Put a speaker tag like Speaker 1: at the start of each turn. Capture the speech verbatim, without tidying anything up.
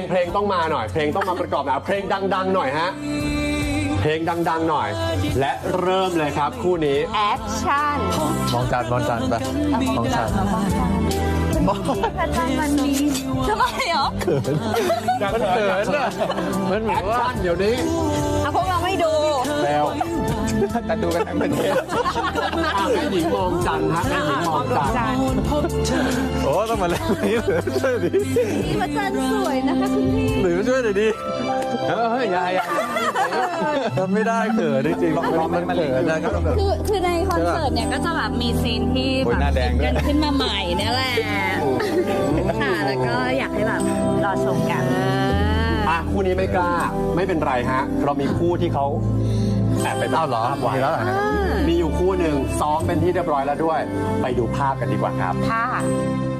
Speaker 1: เพลงต้องมาหน่อยเพลงต้องมาประกอบนะเพลงดังๆหน่อยฮะเพลงดังๆหน่อยและเริ่มเลยครับคู่นี้
Speaker 2: แอคชั่น
Speaker 3: มองจานมองจานไปมองจาน
Speaker 2: วันนี้ทำไมเหรอ
Speaker 3: มันเขินอ่ะมันเหมื
Speaker 1: แอ
Speaker 3: อน
Speaker 1: ค
Speaker 3: ว่า
Speaker 1: ชั่นเดี๋ยวนี้
Speaker 2: อ่ะพวกเราไม่ดู
Speaker 3: แล้วแต่ดูกันทั้งประเทศ
Speaker 1: อ่ะแม่หญิงมองจันทร์ฮะแม่หญิงมองจันทร์
Speaker 3: โอ้ต้องมาเล่นนี้หรือช่วยดิ
Speaker 2: นี่พระจันทร์สวยนะคะคุณพี่
Speaker 3: หรือช่วยหน่อยดิ
Speaker 1: เฮ้ยยาย
Speaker 3: ทำไม่ได้เขินจริงๆมันเขินนะครับ
Speaker 2: คือคือในคอนเสิร์ตเนี่ยก็จะแบบมีซีนที่
Speaker 3: โอ้
Speaker 2: แบ
Speaker 3: ย
Speaker 2: บ
Speaker 3: หน้าแดงด้วย
Speaker 2: กันขึ้นมาใหม่เนี่ยแหละค่ะแล้วก็อยากให้แบบรอชมกัน
Speaker 1: อ่ะคู่นี้ไม่กล้าไม่เป็นไรฮะเรามีคู่ที่เขาแอบไป
Speaker 3: เอ้าเหรอ
Speaker 1: ภาพไว้
Speaker 3: มีแล้วเหรอฮะ
Speaker 1: มีอยู่คู่หนึ่งซ้อมเป็นที่เรียบร้อยแล้วด้วย ไปดูภาพกันดีกว่าครับ
Speaker 2: ค่ะ